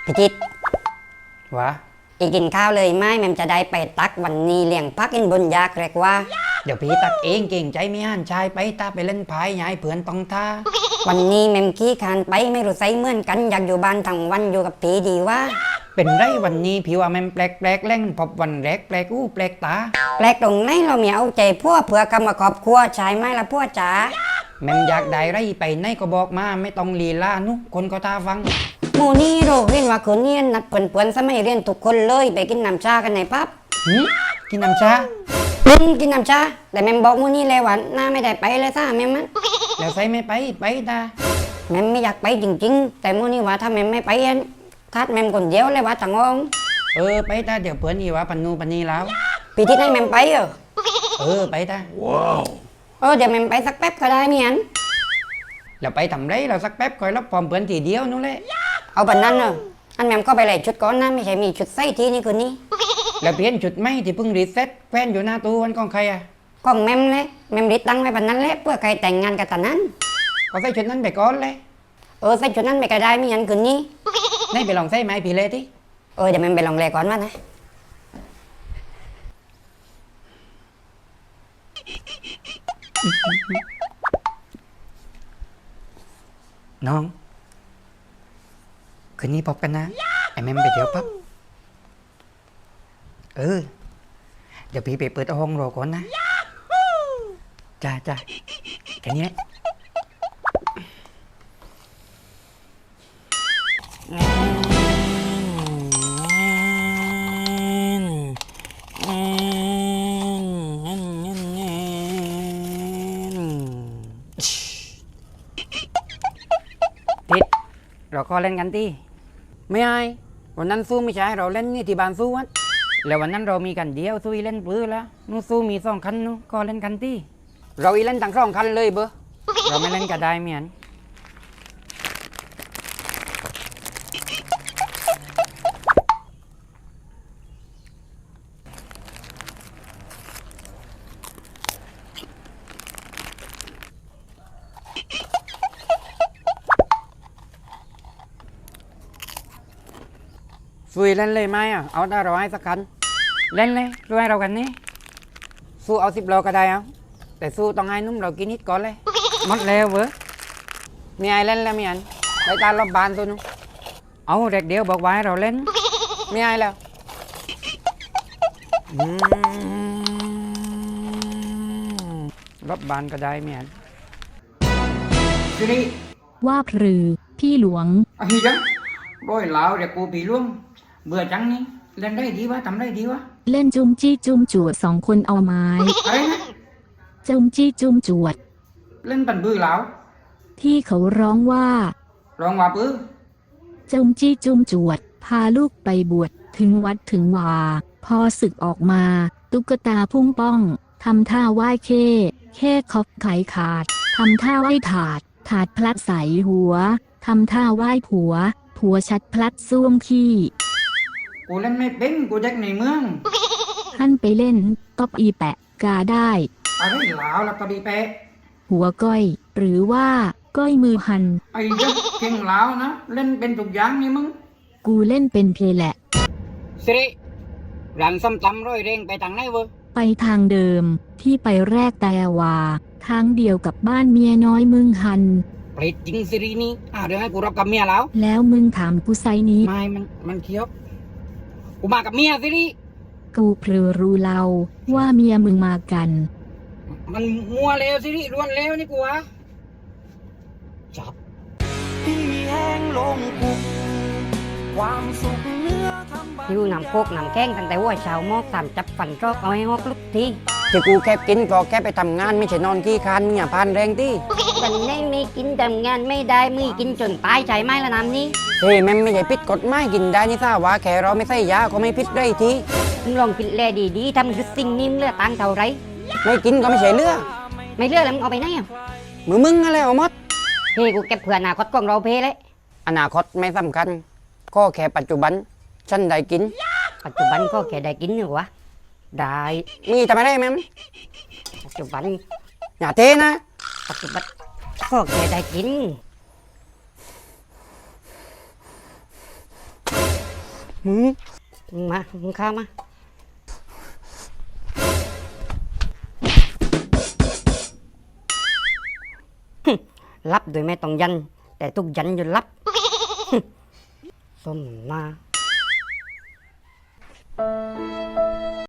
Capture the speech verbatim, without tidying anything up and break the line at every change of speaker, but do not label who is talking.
พิจิต
วะ
อีกินข้าวเลยไหมแมมจะได้ไปตักวันนี้เลี้ยงพักอินบนยากเรียกว่า
เดี๋ยวพี่ตักเองเก่งใจไม่ห่านชายไปตาไปเล่นพายยายเผื่อนตองท่า
วันนี้แมมขี้คานไปไม่รู้ไซเหมือนกันอยากอยู่บ้านทั้งวันอยู่กับผีดีว่า
เป็นไรวันนี้พี่ว่าแมมแปลกแปลกแรงพบวันแรกแปลกอู้แปลกตา
แปลกตรงไหนเราเมียเอาใจพวกเผื่อกรรมครอบครัวชายไหมละพวกจ๋า
แมมอยากได้ไรไปไหนก็บอกมาไม่ต้องลีลานุคนก็ตาฟัง
หมู่นี่โรเรียนว่าคืนนี้นัดเพื่อนๆสมัยเรียนทุกคนเลยไปกินน้ำชากันในปั๊บ
กินน้ำชา
กินน้ำชาแต่แมมบอกหมู่นี่เลยว่าหน้าไม่ได้ไปเลยซ่าแมมมัน
แล้วใส่ไม่ไปไปตา
แมมไม่อยากไปจริงๆแต่หมู่นี่ว่าถ้าแมมไม่ไปทัดแมมคนเดียวเลยว่าทั้งอง
เออไปตาเดี๋ยวเพื่อนอีว่าปันนูปันนีแล้ว
พี่ทิศให้แมมไปเหรอ
เออไปตา
ว้าวเออเดี๋ยวแมมไปสักแป๊บก็ได้เมียน
เราไปทำไรเราสักแป๊บคอยรับพร้อมเพื่อนทีเดียวนู่นแหละ
เอาแบบนั้นเนอะอันแมมก็ไปเลยชุดก้อนนะไม่ใช่มีชุดไส้ทีนี่คืนนี้
แล้วเปลี่ยนชุดไม่ที่เพิ่งรีเซ็ตแฟนอยู่หน้าตู้วันของใครอะ
ของแมมเลยแมมรีตั้งไว้แบบนั้นแหละเพื่อใครแต่งงานกับตานั้น
ก็ใส่ชุดนั้นไปก่อนเลย
เออใส่ชุดนั้นไปก็ได้ไม่ยันคืนนี้
นี่ไปลองใส่ไหมพี่เลที่
เออเดี๋ยวแมมไปลองเลยก่อนว่านะ
น้องคืนนี้พบกันนะไอ้แม่ไปเที่ยวปั๊บเออเดี๋ยวพี่ไปเปิดห้องรอก่อนนะจ้าจ้าแค่นี้แหละทิศเราก็เล่นกันที่ไม่ไอ้วันนั้นสู้ไม่ใช่เราเล่นนี่ที่บ้านสู้วัดแล้ววันนั้นเรามีกันเดียวสู้เล่นปื้อแล้วนู้สู้มีสองคันนู้ก็เล่นกันที่เราอีเล่นทั้งสองคันเลยเบอเราไม่เล่นก็ได้เหมือนสู้เล่นเลยไหมอ่ะเอาได้เราให้สักคันเล่นเลยสู้ให้เรากันนี่สู้เอาสิบโลก็ได้เอาแต่สู้ต้องให้นุ่มเรากินนิดก่อนเลยหมดแล้วเว้ยมีไอ้เล่นแล้วมีอันไปตามรอบบานตัวนู้นเอาเด็กเดียวบอกไว้เราเล่นมีไอ้แล้วรอบบานก็ได้มีอันสิริ
ว่าพรือพี่หลวง
ไอ้จังบ่อยแล้วเด็กกูผีล่วงเบื่อจังนี่เล่นได้ดีวะทำได้ดีวะ
เล่นจุ้มจี้จุ้มจวดสองคนเอาไม้
อะไรนะ
จุ้มจี้จุ้มจวด
เล่นปันบื้อแล้ว
ที่เขาร้องว่า
ร้องว่าปื้อ
จุ้มจี้จุ้มจวดพาลูกไปบวชถึงวัดถึงวาพอศึกออกมาตุ๊กตาพุ่งป้องทำท่าไหว้เค้เค้คอบไขขาดทำท่าไหว้ถาดถาดพลัดใส่หัวทำท่าไหว้ผัวผัวชัดพลัดซ่วมขี้
กูเล่นไม่เป็นกูเด็กในเมือง
ท่านไปเล่นก็อีแปะกาได้
อะไรหลาวแล้วก็บีแปะ
หัวก้อยหรือว่าก้อยมือหัน
ไอ้ยักษ์เก่งหลาวนะเล่นเป็นทุกอย่างนี่มึง
กูเล่นเป็นเพลแหละ
สิริร้านส้มตำร้อยเร่งไปทางไหนเวอ
ไปทางเดิมที่ไปแรกแต่ว่าทางเดียวกับบ้านเมียน้อยมึงหัน
เปรตจริงสิรินี่อ่าเดี๋ยวให้กูรับกับเมียแล้ว
แล้วมึงถามกูไซนี้
ไม่มันมันเคี้ยวกูมากับเมียสิริ
กูเพลอรู้เล่าว่าเมียมึงมากัน
มันมัวเลวสิริล้วนเลวนี่กูวะจับพี่แห้งลงกุกความสุขเนื้อทำบ้า
หิวน้ำโคกน้ำแข้งตั้งแต่ว่าเช้าหมอกสามจับฝันรอกเอาให้ฮอกลุกที
ที่กูแค่กินก็แค่ไปทำงานไม่ใช่นอนขี้คานมึงอย่าพานแรงที่
วันนี้ไม่กินทำงานไม่ได้มึงกินจนตายใจไหมละน้ำนี้
เฮ้ยแม่ไม่ใช่พิษกฎหมายกินได้นี่ทราบว่าแค่เราไม่ใส่ยาก็ไม่พิษได้ที
มึงลองคิดแลดีๆทำคือสิ่งนิ่มเลือดตังเท่าไร
ไม่กินก็ไม่ใช่เลือด
ไม่เลือดแล้วมึงเอาไปไหนอ่ะ
มือมึงอะไรเอาหมด
เฮ้กูเก็บเผื่ออนาคตของเราเพเลย
อนาคตไม่สำคัญก็แค่ปัจจุบันฉันได้กิน
ปัจจุบันก็แค่ได้กินอยู่วะได้
มีทำไมได้แม่
ปัจจุบัน
อย่าเทนะ
ปัจจุบันก็แค่ได้กินมึงมึงมามึงเข้ามาฮึรับโดยไม่ต้องยัน แต่ทุกยันอยู่รับฮึส้มมา